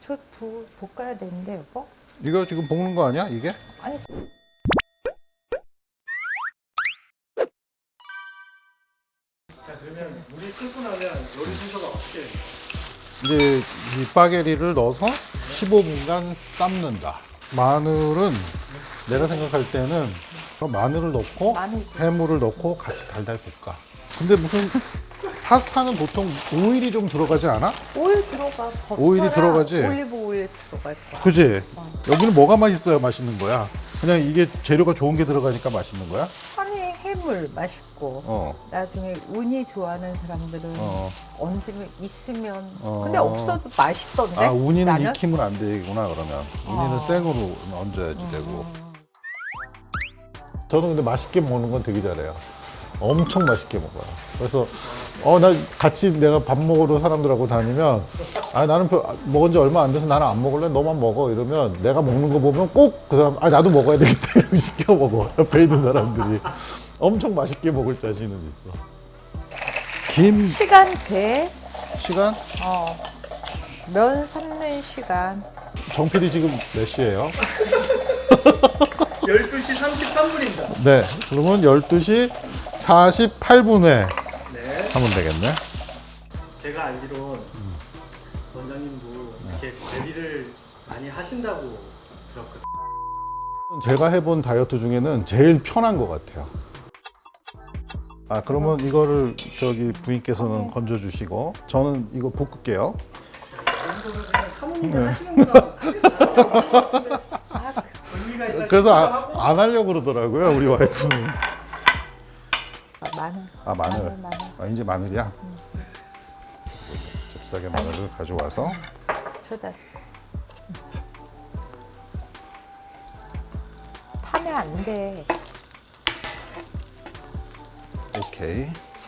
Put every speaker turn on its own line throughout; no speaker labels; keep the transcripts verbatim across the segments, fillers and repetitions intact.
저 부, 볶아야 되는데 여보?
이거 지금 볶는 거 아니야 이게?
아니
자, 그러면 물이 끓고 나면 요리 순서가 어떻게 돼요?
이제 이 파게리를 넣어서 십오 분간 삶는다. 마늘은 내가 생각할 때는 그 마늘을 넣고
마늘.
해물을 넣고 같이 달달 볶아. 근데 무슨 파스타는 보통 오일이 좀 들어가지 않아?
오일 들어가. 버터랑
오일이 들어가지?
올리브 오일 들어갈 거야.
그지? 여기는 뭐가 맛있어야 맛있는 거야? 그냥 이게 재료가 좋은 게 들어가니까 맛있는 거야?
아니 해물 맛있고
어.
나중에 운이 좋아하는 사람들은
어.
얹으면 있으면
어.
근데 없어도 맛있던데.
아, 우니는
나는?
익히면 안 되구나 그러면. 우니는
어.
생으로 얹어야지 되고. 저는 근데 맛있게 먹는 건 되게 잘해요. 엄청 맛있게 먹어요. 그래서 어 나 같이 내가 밥 먹으러 사람들하고 다니면 아 나는 별- 먹은 지 얼마 안 돼서 나는 안 먹을래 너만 먹어 이러면 내가 먹는 거 보면 꼭 그 사람 아 나도 먹어야 되겠다 이러고 시켜 먹어. 옆에 있는 사람들이 엄청 맛있게 먹을 자신은 있어. 김
시간제.
시간
어. 면 삶는 시간.
정 피디 지금 몇 시예요?
열두 시 삼십삼 분입니다.
네, 그러면 열두 시 사십팔 분에
네.
하면 되겠네.
제가 알기론 원장님도 이렇게 관리를 많이 하신다고 들었거든요.
제가 해본 다이어트 중에는 제일 편한 것 같아요. 아 그러면 이거를 저기 부인께서는 건져주시고 저는 이거 볶을게요.
정도는 그냥 사모님들
네.
하시는구나.
아,
의미가 있다
그래서 아,
싶기도 하고.
안 하려고 그러더라고요 우리 와이프는.
마늘.
아 마늘.
마늘, 마늘.
아 이제 마늘이야. 잽싸게 마늘을 가져와서
저다. 타면 안 돼.
오케이.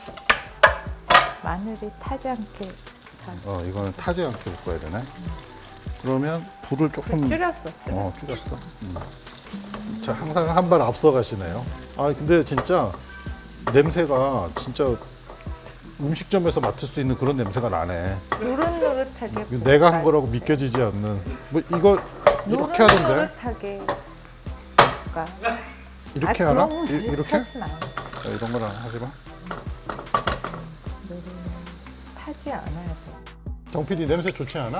마늘이 타지 않게 잘.
어 이거는 타지 않게 볶아야 되네. 그러면 불을 조금
줄였어.
어 줄였어. 음. 자 항상 한 발 앞서 가시네요. 아 근데 진짜 냄새가 진짜 음식점에서 맡을 수 있는 그런 냄새가 나네.
노릇노릇하게.
이거 내가 한
볶아야
거라고 믿겨지지 않는. 뭐 이거 이렇게 하던데?
노릇노릇하게 볶아.
이렇게
아,
하나?
그런
이, 이렇게?
하지 마.
자, 이런 거랑 하지 마.
노릇 타지 않아야 돼.
정 피디 냄새 좋지 않아?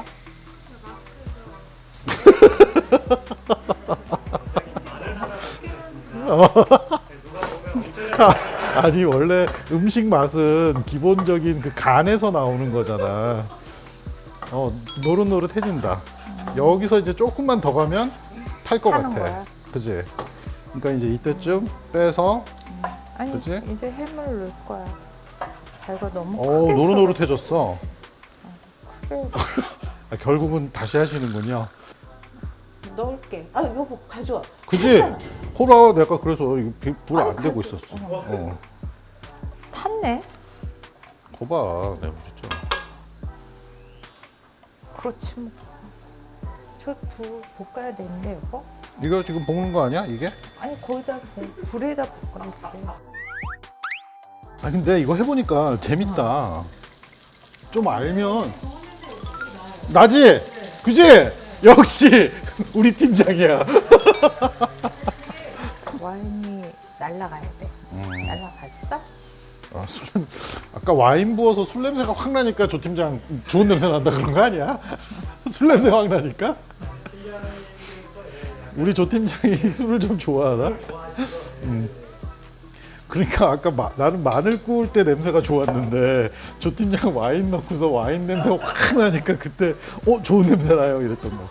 아니 원래 음식 맛은 기본적인 그 간에서 나오는 거잖아. 어 노릇노릇해진다. 여기서 이제 조금만 더 가면 탈 것
타는
같아.
거야.
그지? 그러니까 이제 이때쯤 빼서
아니
그치?
이제 해물 넣을 거야. 자기가 너무
어
크게
노릇노릇해졌어.
썰어.
아, 결국은 다시 하시는군요.
넣을게. 아 여보 가져와.
그지?
괜찮아.
호라 내가 그래서 이거 불 안
아니,
되고
그래도-
있었어.
어.
어.
탔네.
거봐 내가 그랬잖아.
그렇지 뭐. 저 부, 볶아야 되는데 여보?
이거 지금 볶는 거 아니야 이게?
아니 거기다 볶- 불에다 볶아야지.
아 근데 이거 해보니까 재밌다. 좀 알면 나지? 그지? 역시 우리 팀장이야.
와인이 날라가야 돼.
음.
날라갔어?
아, 술 냄- 아까 와인 부어서 술 냄새가 확 나니까 조 팀장 좋은 냄새 난다 그런 거 아니야? 술 냄새 확 나니까? 우리 조 팀장이 술을 좀 좋아하나? 음. 그러니까 아까 마, 나는 마늘 구울 때 냄새가 좋았는데 조 팀장 와인 넣고서 와인 냄새가 확 나니까 그때 어 좋은 냄새 나요 이랬던 거.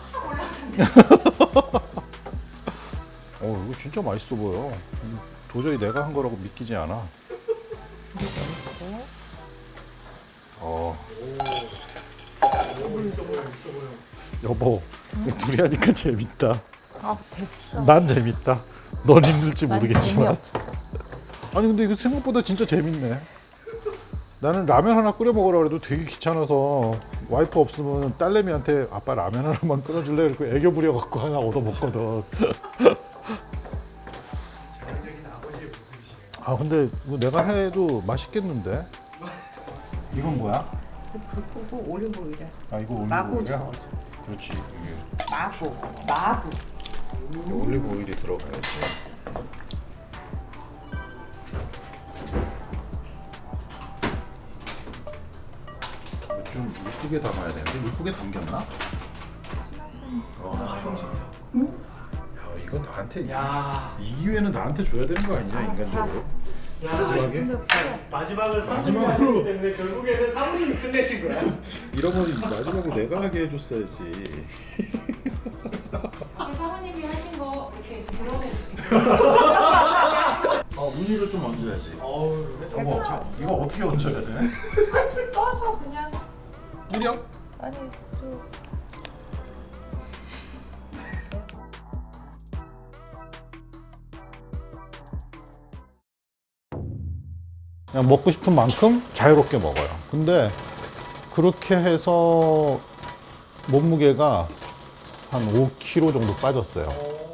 어 이거 진짜 맛있어 보여. 도저히 내가 한 거라고 믿기지 않아. 어. 여보, 둘이 하니까 재밌다.
아 됐어.
난 재밌다. 넌 힘들지
난
모르겠지만.
재미없어.
아니 근데 이거 생각보다 진짜 재밌네. 나는 라면 하나 끓여 먹으라 그래도 되게 귀찮아서 와이프 없으면 딸내미한테 아빠 라면 하나만 끓여줄래? 이렇게 애교 부려갖고 하나 얻어 먹거든.
전형적인 아버지의 모습이시네요.
아 근데 이거 내가 해도 맛있겠는데? 이건 뭐야?
불 끄고 올리브 오일에
아 이거
마구
올리브오일이야?
저어줘.
그렇지. 이게
마구, 마구.
올리브 오일이 들어가야지. 좀 이쁘게 담아야 되는데 이쁘게 담겼나? 와, 야 이건 나한테
야,
이 기회는 나한테 줘야 되는 거 아니냐 인간적으로?
야,
마지막에
마지막을 사모님이 하기 때문에 결국에는 사모님이 끝내신 거야.
이러면 마지막에 내가 하게 해줬어야지.
사모님이 하신 거 이렇게 드러내주시고
아 우니를 좀 얹어야지.
어우,
어머, 자, 이거 어떻게 얹어야 돼?
떠서 그냥
뿌려?
아니 또
그냥 먹고 싶은 만큼 자유롭게 먹어요. 근데 그렇게 해서 몸무게가 한 오 킬로그램 정도 빠졌어요.